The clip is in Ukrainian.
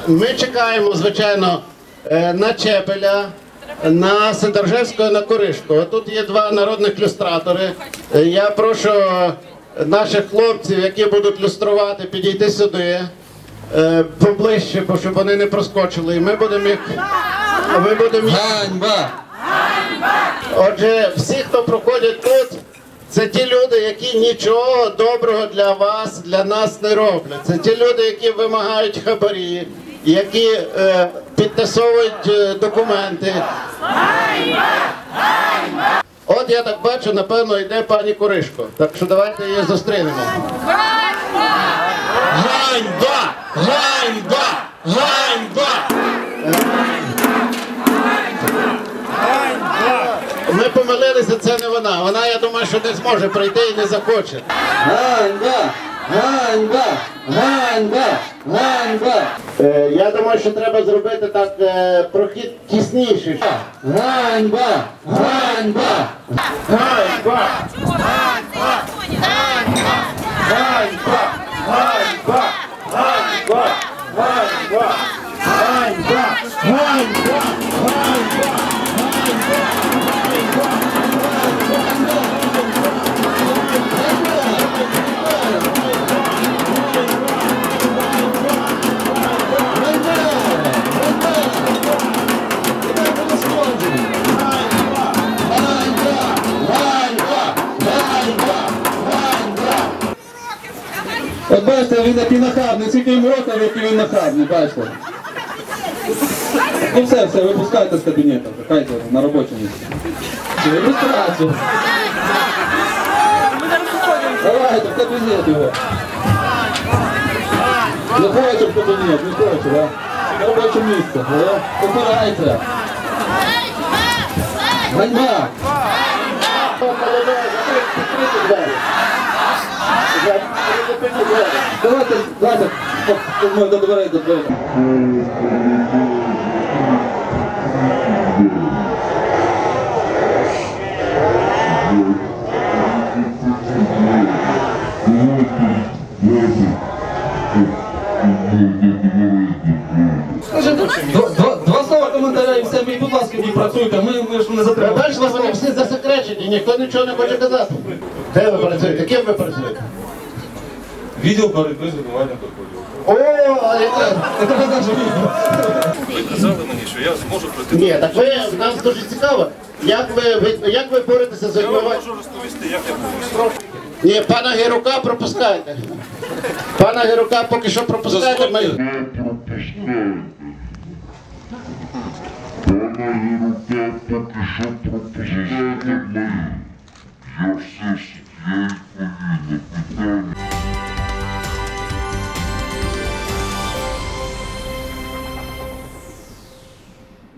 Ми чекаємо, звичайно, на Чепеля, на Сидоржевського, на Коришко. Тут є два народних люстратори. Я прошу наших хлопців, які будуть люструвати, підійти сюди, поближче, щоб вони не проскочили. І ми будемо їх... Ганьба! Отже, всі, хто проходять тут, це ті люди, які нічого доброго для вас, для нас не роблять. Це ті люди, які вимагають хабарі, які підтасовують документи. От я так бачу, напевно, йде пані Коришко. Так що давайте її зустрінемо. Ганьба! Ганьба! Ганьба! Ми помилилися, це не вона. Вона, я думаю, що не зможе прийти і не захоче. Ганьба! Ганьба! Ганьба! Ганьба! Я думаю, що треба зробити так прохід тісніший. Ганьба! Ганьба! Ганьба! Ганьба! Ганьба! Ганьба! Ганьба! Ганьба! Ганьба! Ганьба! От бачите, він який нахабний, скільки йому років, який він нахабний, бачите. Ну все, випускайте з кабінету, хайте на робочому місці. Ілюстрацію. Давайте, в кабінет його. Не хоче в кабінет, не хоче, да? На робоче місце, да? Попирайте. Ганьба! Давайте, до дверей. Два слова коментаря і все, будь ласка, не працюйте, ми ж не затримали. Бачите, вони всі засекречені, ніхто нічого не хоче казати. Де ви працюєте? Ким ви працюєте? Відділ боротьби з вимиванням доходів. О, а яке? Ви казали мені, що я зможу пройти. Ні, так ви, нам дуже цікаво, як ви боретеся з Я вам вимиванням? можу розповісти, як я борюся. Ні, пана Герука пропускайте. Пана Герука поки що пропускайте. Ми... Пана Герука поки що пропускайте. Я все